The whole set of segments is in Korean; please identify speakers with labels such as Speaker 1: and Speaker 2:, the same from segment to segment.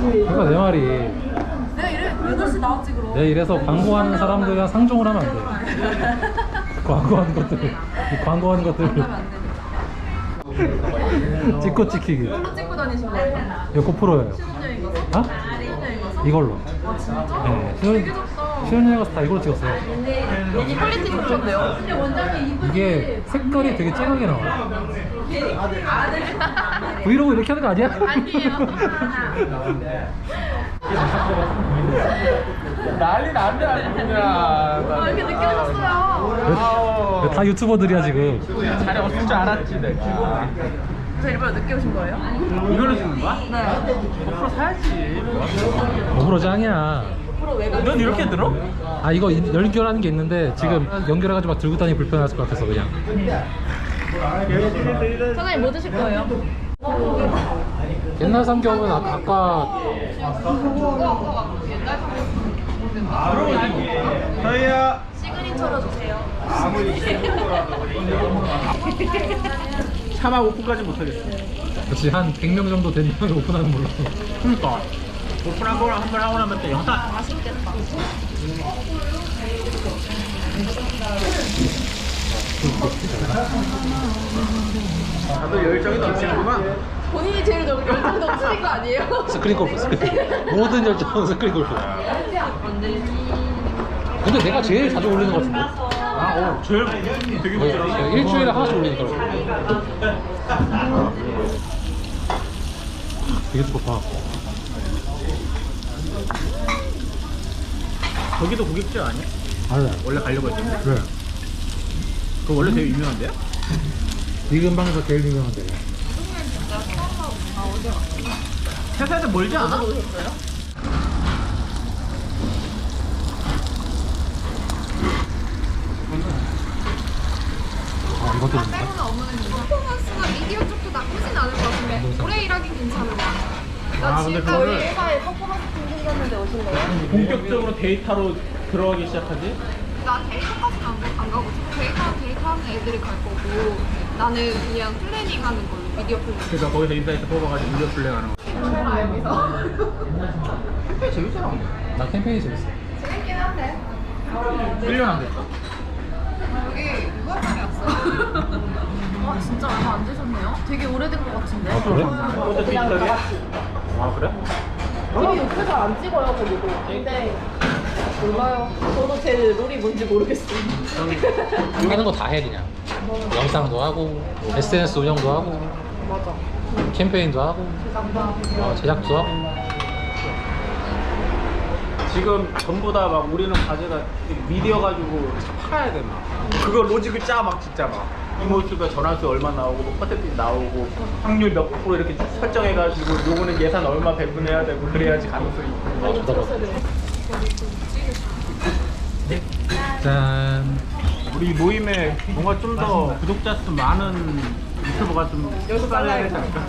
Speaker 1: 그러니까 내 말이
Speaker 2: 내가 이래 8시 나왔지 그럼.
Speaker 1: 내가 이래서 광고하는 사람들이랑 상종을 하면 안 돼. 광고하는 것들 찍고 찍히기.
Speaker 2: 이걸로 찍고 다니신 거예요?
Speaker 1: 이거 고프로예요.
Speaker 2: 신혼여행 가서?
Speaker 1: 어?
Speaker 2: 신혼여행 가서?
Speaker 1: 이걸로.
Speaker 2: 아 진짜?
Speaker 1: 네,
Speaker 2: 되게 좋다.
Speaker 1: 신혼여행 가서 다 이걸로 찍었어요.
Speaker 2: 이 퀄리티 좋던데요? 근데 원장님
Speaker 1: 이게 색깔이 되게 쨍하게 나와요. 브이로그 이렇게 하는 거 아니야?
Speaker 2: 아니에요.
Speaker 3: 난리 난데 아니구나.
Speaker 2: 이렇게 늦게 오셨어요.
Speaker 1: 다 유튜버들이야 지금.
Speaker 3: 자리 없을 줄 알았지 내가.
Speaker 2: 저 일부러 늦게 오신 거예요?
Speaker 3: 이걸로 찍는 거야?
Speaker 2: 네.
Speaker 3: 고프로 사야지.
Speaker 1: 어브로 짱이야.
Speaker 3: 넌 이렇게 들어?
Speaker 1: 아 이거 연결하는 게 있는데 지금 연결해가지고 막 들고 다니기 불편할 것 같아서 그냥.
Speaker 2: 사장님 뭐 드실 거예요?
Speaker 1: 옛날 삼겹은 아까
Speaker 3: 저희야.
Speaker 2: 시그니처로 주세요.
Speaker 3: 차마 오픈까지 못하겠어.
Speaker 1: 그렇지 한 100명 정도 된 명이 오픈하는 걸로.
Speaker 3: 그러니까 오픈한 거랑 한번 하고 나면 또 영상.
Speaker 2: 맛있겠다.
Speaker 3: 다들 열정이 넘치는구만.
Speaker 2: 본인이 제일 열정 넘치는 거 아니에요?
Speaker 1: 스크린 골프 모든 열정은 스크린 골프. 근데 내가 제일 자주 올리는 것 같은데.
Speaker 3: 제일 되게 부드러워.
Speaker 1: 일주일에 하나씩 올리니까. 되게 좋다.
Speaker 3: 저기도 고깃집 아니야?
Speaker 1: 알래.
Speaker 3: 원래 가려고 했는데.
Speaker 1: 왜?
Speaker 3: 그거 원래 되게 유명한데요?
Speaker 1: 이 근방에서 제일 유명한데.
Speaker 3: 회사에서 멀지 않아?
Speaker 1: 아 이것도
Speaker 4: 나 때문에 업무는 퍼포먼스가 미디어 쪽도 나쁘진 않을 것 같은데 오래 일하긴 괜찮은 것 같아. 나
Speaker 3: 근데
Speaker 4: 지금
Speaker 3: 그거를
Speaker 2: 회사에 퍼포먼스 팀 생겼는데 오신 거예요?
Speaker 3: 본격적으로 데이터로 들어가기 시작하지?
Speaker 4: 나 데이터까지는 안 가고 데이터 하는 애들이 갈 거고 나는 그냥 플래닝 하는 걸로 미디어 플래닝.
Speaker 3: 그러니까 거기서 인사이트 뽑아가지고 무료 플레이하는 거. 캠페인 재밌잖아.
Speaker 1: 나 캠페인이 재밌어.
Speaker 4: 재밌긴 한데
Speaker 3: 1년 안 됐어.
Speaker 4: 여기 6월 달에 왔어요.
Speaker 2: 와 진짜 얼마 안 되셨네요? 되게 오래된 것 같은데?
Speaker 1: 아 그래?
Speaker 3: 어제 디지털이? 아 그래?
Speaker 2: TV 옆에서 안 찍어요 거기도. 근데 몰라요. 저도 제 롤이 뭔지 모르겠어요.
Speaker 1: 하는 거 다 해 그냥. 영상도 하고 SNS 운영도 하고
Speaker 2: 맞아.
Speaker 1: 캠페인도 하고 제작도 하고.
Speaker 3: 지금 전부 다 막 우리는 과제가 미디어 가지고 팔아야 돼 막. 그거 로직을 짜 막 진짜 막. 이모수가 전환수 얼마 나오고 뭐 퍼센티지 나오고 확률 몇 프로 이렇게 설정해가지고 요거는 예산 얼마 배분해야 되고 그래야지 가능성이 있고.
Speaker 1: 짠.
Speaker 3: 우리 모임에 뭔가 좀 더 구독자 수 많은 유튜버가 좀 추가해야 되지 않을까?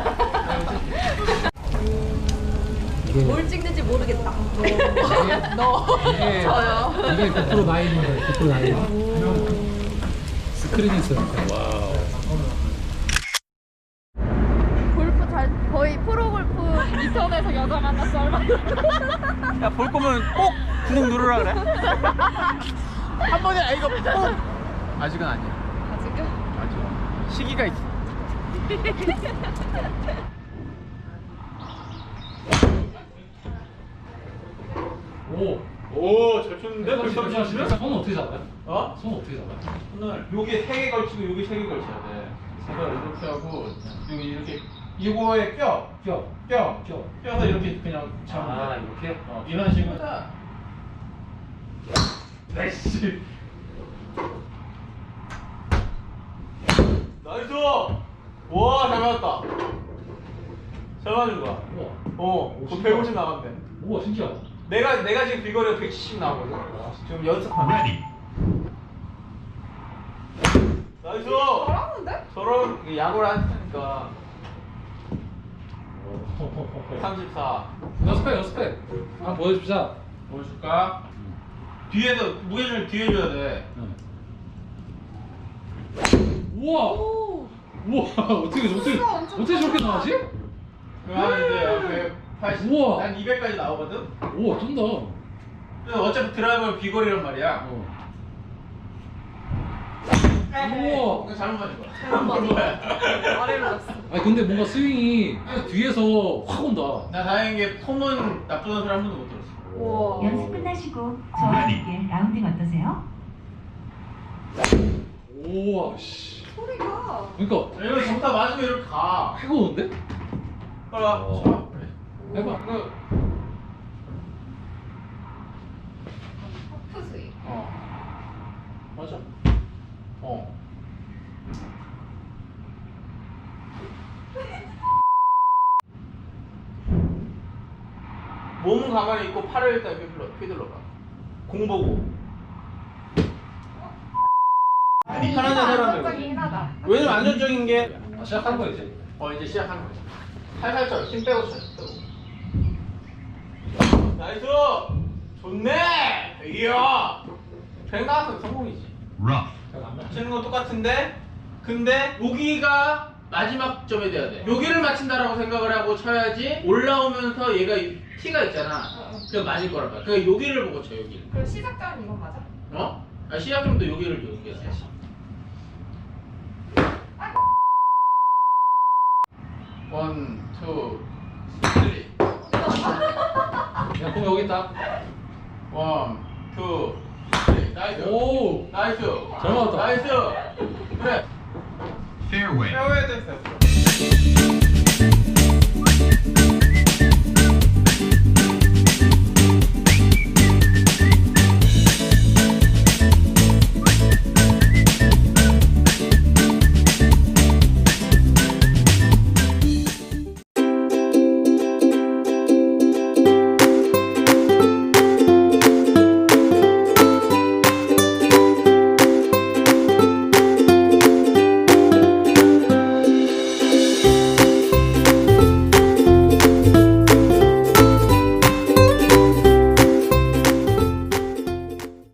Speaker 2: 뭘 찍는지 모르겠다. 너.
Speaker 1: 이게
Speaker 2: 저요.
Speaker 1: 이게 9% 나인인데 9% 나인. 스크린이 있어요. 와우.
Speaker 4: 골프 거의 프로골프 2턴에서 여자 만났어 얼마
Speaker 3: 야, 볼 거면 꼭 구독 누르라 그래. 한 번에 이거 꼭. 아직은 아니야.
Speaker 4: 아직은?
Speaker 3: 아직 시기가 있어. 오, 잘 쳤는데?
Speaker 1: 손 어떻게 잡아요?
Speaker 3: 어?
Speaker 1: 손 어떻게 잡아요?
Speaker 3: 오늘 여기 3개 걸치고 여기 3개 걸쳐야 돼. 제가 이렇게 하고 여기 이렇게 이거에 껴서 이렇게 그냥 잡으면 돼.
Speaker 1: 이렇게?
Speaker 3: 이런 식으로. 나이스. 나이스. 와, 잘 맞았다. 잘 맞은 거야. 그 150 나간대.
Speaker 1: 우와 신기하다.
Speaker 3: 내가 지금 비거리가 170 나오거든. 지금 연습하면. 나이스.
Speaker 4: 잘하는데?
Speaker 3: 저런 야구를 하니까 134.
Speaker 1: 연습해. 한번 보여주자.
Speaker 3: 보여줄까? 뒤에서 무게를 뒤에 줘야 돼.
Speaker 1: 우와. 우와 어떻게 저렇게 나가지?
Speaker 3: 그럼 이제 앞에 180.
Speaker 1: 우와.
Speaker 3: 난 200까지 나오거든.
Speaker 1: 우와 쩐다.
Speaker 3: 근데 어차피 드라이버는 비거리란 말이야.
Speaker 1: 우와.
Speaker 3: 이거 잘못 맞은 거야.
Speaker 2: 잘못 맞아. 아래로 갔어.
Speaker 1: 아니 근데 뭔가 스윙이 뒤에서 확 온다.
Speaker 3: 나 다행인 게 폼은 나쁘다는 소리 한 번도 못 들었어.
Speaker 2: 우와.
Speaker 5: 연습 끝나시고 저와 함께 라운딩 어떠세요?
Speaker 1: 우와 씨.
Speaker 4: 소리가
Speaker 1: 그러니까
Speaker 3: 이거 좋다 맞으면 이렇게 가.
Speaker 1: 해가 오는데?
Speaker 3: 빨라.
Speaker 1: 어.
Speaker 3: 자, 그래.
Speaker 1: 해봐.
Speaker 3: 이거
Speaker 4: 하프 스윙.
Speaker 3: 맞아. 몸은 가만히 있고 팔을 일단 휘둘러 봐. 공 보고. 편한 자세로 하면
Speaker 4: 안정적이긴 하다.
Speaker 3: 왜냐면 안전적인 게
Speaker 1: 시작하는 거야 이제.
Speaker 3: 이제 시작하는 거지. 살살 힘 빼고 쳐. 나이스! 좋네! 이야! 백 나왔으면 성공이지. 치는 건 똑같은데, 근데 여기가 마지막 점이 돼야 돼. 여기를 맞춘다라고 생각을 하고 쳐야지 올라오면서 얘가 티가 있잖아. 그럼 맞을 거란 말이야. 그러니까 여기를 보고 쳐, 여기를.
Speaker 4: 그럼 시작점은 이건 맞아?
Speaker 3: 어? 시작점도 여기를 연결해야지. 원, 투, 쓰리.
Speaker 1: 야 공 여기 있다.
Speaker 3: 원, 투, 쓰리. 나이스.
Speaker 1: 오.
Speaker 3: 나이스.
Speaker 1: 잘 맞았다.
Speaker 3: 나이스. 그래.
Speaker 6: Fairway.
Speaker 3: 페어웨이 됐어.